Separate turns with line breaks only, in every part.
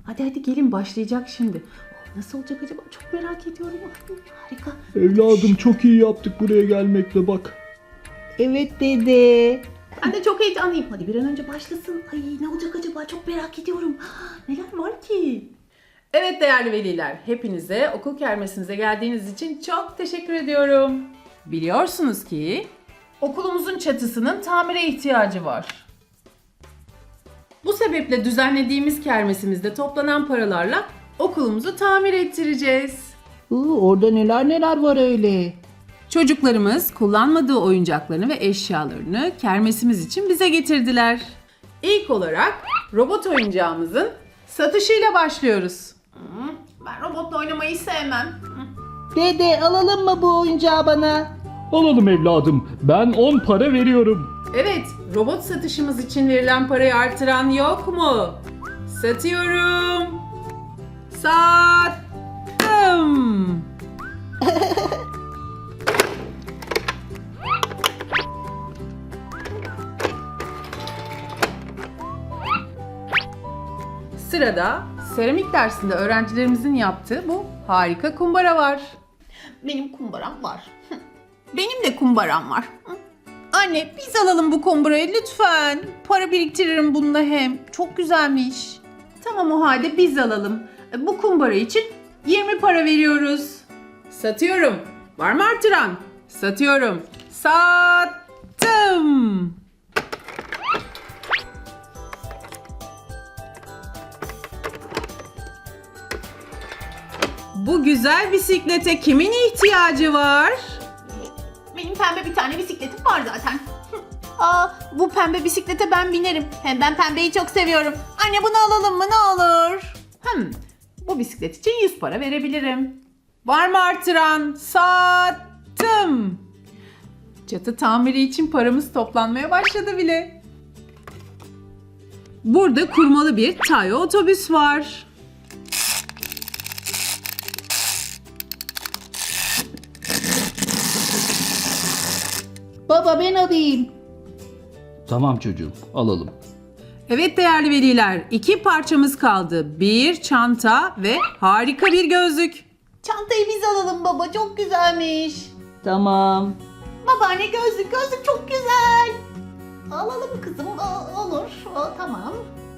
Hadi gelin, başlayacak şimdi. Nasıl olacak acaba? Çok merak ediyorum. Harika.
Evladım çok iyi yaptık buraya gelmekle bak.
Evet dede.
Ben de çok heyecanlıyım. Hadi bir an önce başlasın. Ay, ne olacak acaba? Çok merak ediyorum. Neler var ki? Evet değerli veliler, hepinize okul kermesinize geldiğiniz için çok teşekkür ediyorum. Biliyorsunuz ki okulumuzun çatısının tamire ihtiyacı var. Bu sebeple düzenlediğimiz kermesimizde toplanan paralarla okulumuzu tamir ettireceğiz.
Orada neler var öyle.
Çocuklarımız kullanmadığı oyuncaklarını ve eşyalarını kermesimiz için bize getirdiler. İlk olarak robot oyuncağımızın satışıyla başlıyoruz. Ben robotla oynamayı sevmem.
Dede alalım mı bu oyuncağı bana?
Alalım evladım, ben 10 para veriyorum.
Evet, robot satışımız için verilen parayı artıran yok mu? Satıyorum. Sattım. Sırada seramik dersinde öğrencilerimizin yaptığı bu harika kumbara var. Benim kumbaram var. Benim de kumbaram var. Anne, biz alalım bu kumbarayı lütfen. Para biriktiririm bununla hem. Çok güzelmiş. Tamam, o halde biz alalım. Bu kumbara için 20 para veriyoruz. Satıyorum. Var mı artıran? Satıyorum. Sattım. Bu güzel bisiklete kimin ihtiyacı var? Benim pembe bir tane bisikletim var zaten. Bu pembe bisiklete ben binerim. Hem ben pembeyi çok seviyorum. Anne, bunu alalım mı ne olur? Bu bisiklet için 100 para verebilirim. Var mı artıran? Sattım. Çatı tamiri için paramız toplanmaya başladı bile. Burada kurmalı bir Tayo otobüs var.
Baba ben alayım.
Tamam çocuğum, alalım.
Evet değerli veliler, 2 parçamız kaldı. Bir çanta ve harika bir gözlük. Çantayı biz alalım baba, çok güzelmiş.
Tamam.
Babaanne, gözlük çok güzel. Alalım kızım, olur, tamam.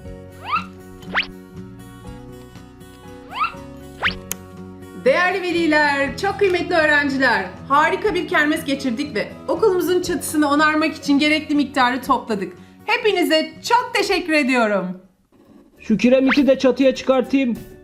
Değerli veliler, çok kıymetli öğrenciler, harika bir kermes geçirdik ve okulumuzun çatısını onarmak için gerekli miktarı topladık. Hepinize çok teşekkür ediyorum.
Şu kiremiti de çatıya çıkartayım.